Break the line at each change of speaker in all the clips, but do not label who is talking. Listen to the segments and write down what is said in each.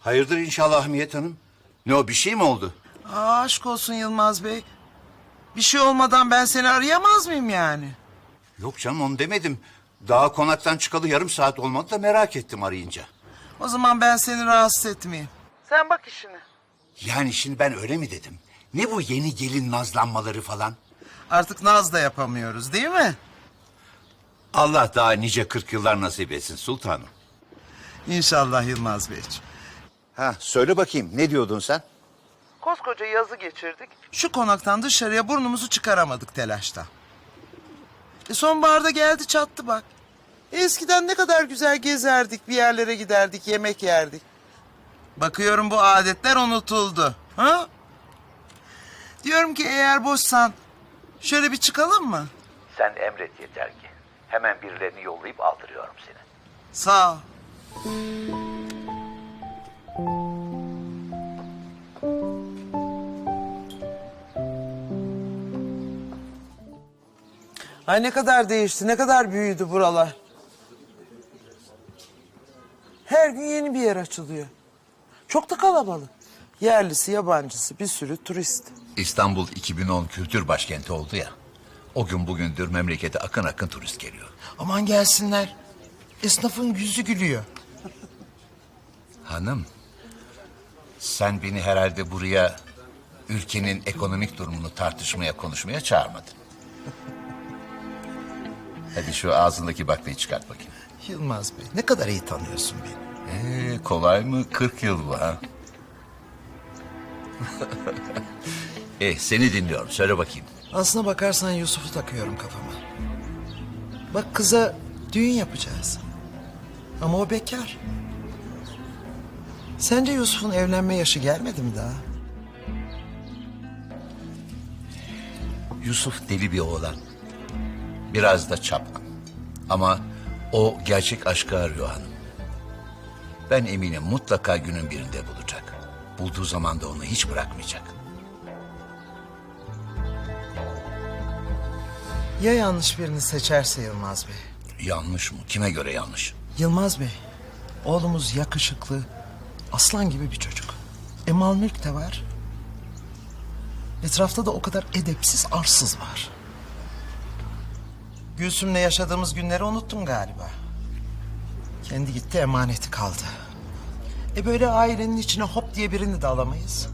Hayırdır inşallah Hamiyet Hanım? Ne o, bir şey mi oldu?
Aşk olsun Yılmaz Bey. Bir şey olmadan ben seni arayamaz mıyım yani?
Yok canım, onu demedim. Daha konaktan çıkalı yarım saat olmadı da merak ettim arayınca.
O zaman ben seni rahatsız etmeyeyim. Sen bak işine.
Yani şimdi ben öyle mi dedim? Ne bu yeni gelin nazlanmaları falan?
Artık naz da yapamıyoruz değil mi?
Allah daha nice 40 yıllar nasip etsin sultanım.
İnşallah Yılmaz Beyciğim.
Ha, söyle bakayım, ne diyordun sen?
Koskoca yazı geçirdik. Şu konaktan dışarıya burnumuzu çıkaramadık telaştan. Sonbaharda geldi çattı bak. Eskiden ne kadar güzel gezerdik, bir yerlere giderdik, yemek yerdik. Bakıyorum bu adetler unutuldu. Ha? Diyorum ki eğer boşsan şöyle bir çıkalım mı?
Sen emret yeter ki. Hemen birilerini yollayıp aldırıyorum seni.
Sağ ol. Ay ne kadar değişti, ne kadar büyüdü buralar. Her gün yeni bir yer açılıyor. Çok da kalabalık. Yerlisi, yabancısı, bir sürü turist.
İstanbul 2010 kültür başkenti oldu ya. O gün bugündür memlekete akın akın turist geliyor.
Aman gelsinler. Esnafın yüzü gülüyor.
Hanım, sen beni herhalde buraya ülkenin ekonomik durumunu tartışmaya, konuşmaya çağırmadın. Hadi şu ağzındaki baklayı çıkart bakayım.
Yılmaz Bey, ne kadar iyi tanıyorsun beni.
Kolay mı? 40 yıl bu ha. Seni dinliyorum. Söyle bakayım.
Aslına bakarsan Yusuf'u takıyorum kafama. Bak kıza düğün yapacağız. Ama o bekar. Sence Yusuf'un evlenme yaşı gelmedi mi daha?
Yusuf deli bir oğlan. Biraz da çapkın. Ama o gerçek aşkı arıyor hanım. Ben eminim mutlaka günün birinde bulacak. Bulduğu zaman da onu hiç bırakmayacak.
Ya yanlış birini seçerse Yılmaz Bey?
Yanlış mı? Kime göre yanlış?
Yılmaz Bey, oğlumuz yakışıklı, aslan gibi bir çocuk. Mal mülk de var. Etrafta da o kadar edepsiz, arsız var. Gülsüm'le yaşadığımız günleri unuttun galiba. Kendi gitti, emaneti kaldı. Böyle ailenin içine hop diye birini de alamayız.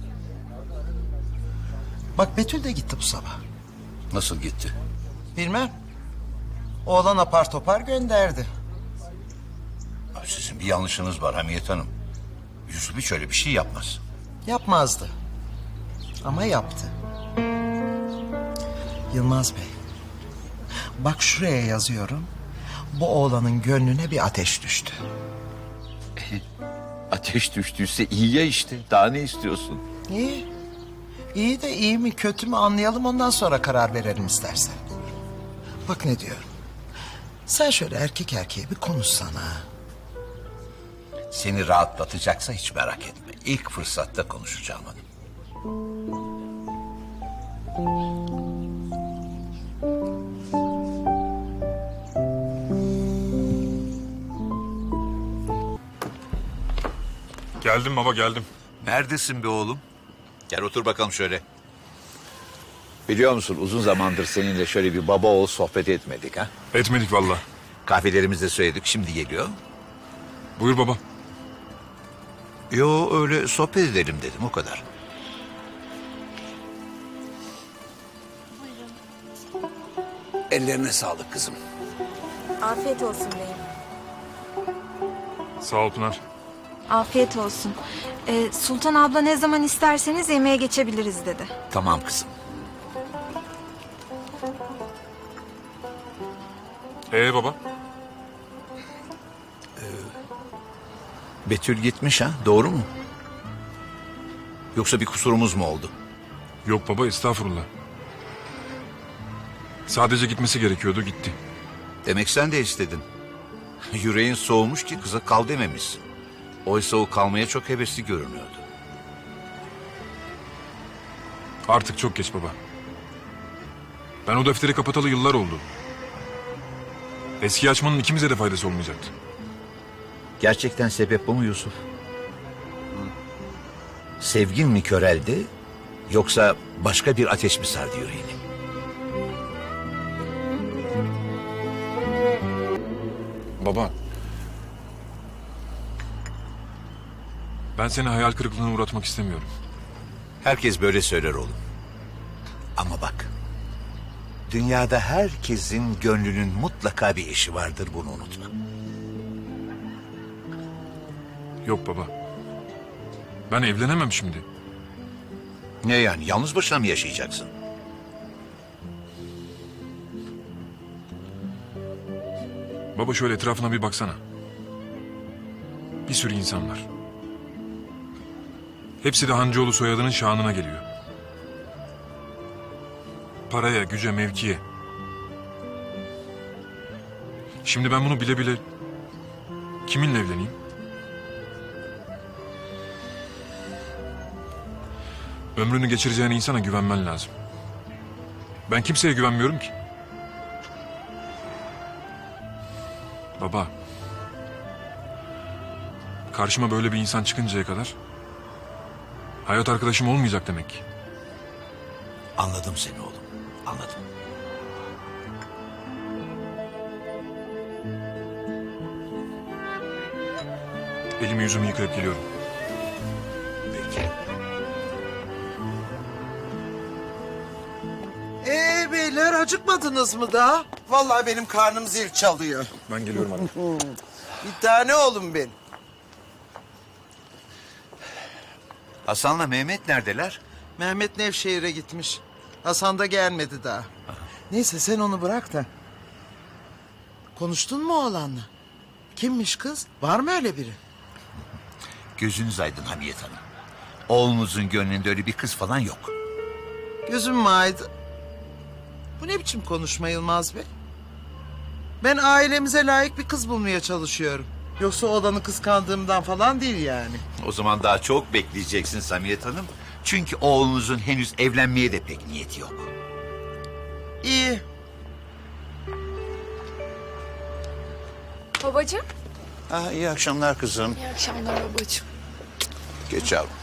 Bak Betül de gitti bu sabah.
Nasıl gitti?
Bilmem. Oğlan apar topar gönderdi.
Sizin bir yanlışınız var Hamiyet Hanım. Yusuf hiç öyle bir şey yapmaz.
Yapmazdı. Ama yaptı. Yılmaz Bey. Bak şuraya yazıyorum. Bu oğlanın gönlüne bir ateş düştü.
Ateş düştüyse iyi ya işte. Daha ne istiyorsun?
İyi. İyi de iyi mi kötü mü anlayalım, ondan sonra karar verelim istersen. Bak ne diyorum. Sen şöyle erkek erkeğe bir konuşsana.
Seni rahatlatacaksa hiç merak etme. İlk fırsatta konuşacağım hanım.
Geldim baba, geldim.
Neredesin be oğlum? Gel otur bakalım şöyle. Biliyor musun uzun zamandır seninle şöyle bir baba oğul sohbet etmedik ha?
Etmedik valla.
Kahvelerimizi de söyledik, şimdi geliyor.
Buyur baba.
Yo, öyle sohbet edelim dedim, o kadar. Ellerine sağlık kızım.
Afiyet olsun beyim.
Sağ ol Pınar.
Afiyet olsun. Sultan abla ne zaman isterseniz yemeğe geçebiliriz dedi.
Tamam kızım.
Baba?
Betül gitmiş ha, doğru mu? Yoksa bir kusurumuz mu oldu?
Yok baba, estağfurullah. Sadece gitmesi gerekiyordu, gitti.
Demek sen de istedin. Yüreğin soğumuş ki kıza kal dememişsin. Oysa o kalmaya çok hevesli görünüyordu.
Artık çok geç baba. Ben o defteri kapatalı yıllar oldu. Eski açmanın ikimize de faydası olmayacaktı.
Gerçekten sebep bu mu Yusuf? Sevgin mi köreldi yoksa başka bir ateş mi sardı yüreğini?
Baba. Ben seni hayal kırıklığına uğratmak istemiyorum.
Herkes böyle söyler oğlum. Ama bak. Dünyada herkesin gönlünün mutlaka bir eşi vardır, bunu unutma.
Yok baba. Ben evlenemem şimdi.
Ne yani, yalnız başına mı yaşayacaksın?
Baba şöyle etrafına bir baksana. Bir sürü insan var. Hepsi de Hancıoğlu soyadının şanına geliyor. Paraya, güce, mevkiye. Şimdi ben bunu bile bile kiminle evleneyim? Ömrünü geçireceğin insana güvenmen lazım. Ben kimseye güvenmiyorum ki. Baba. Karşıma böyle bir insan çıkıncaya kadar hayat arkadaşım olmayacak demek ki.
Anladım seni oğlum, anladım.
Elimi yüzümü yıkayıp geliyorum.
Peki.
Beyler acıkmadınız mı daha? Vallahi benim karnım zil çalıyor.
Ben geliyorum anne.
Bir tane oğlum benim.
Hasan'la Mehmet neredeler?
Mehmet Nevşehir'e gitmiş. Hasan da gelmedi daha. Neyse sen onu bırak da. Konuştun mu oğlanla? Kimmiş kız? Var mı öyle biri?
Gözünüz aydın Hamiyet Hanım. Oğlunuzun gönlünde öyle bir kız falan yok.
Gözüm mü aydın? Bu ne biçim konuşma Yılmaz Bey? Ben ailemize layık bir kız bulmaya çalışıyorum. Yoksa oğlanı kıskandığımdan falan değil yani.
O zaman daha çok bekleyeceksin Hamiyet Hanım. Çünkü oğlunuzun henüz evlenmeye de pek niyeti yok.
İyi.
Babacığım.
İyi akşamlar kızım.
İyi akşamlar babacığım.
Geç yavrum.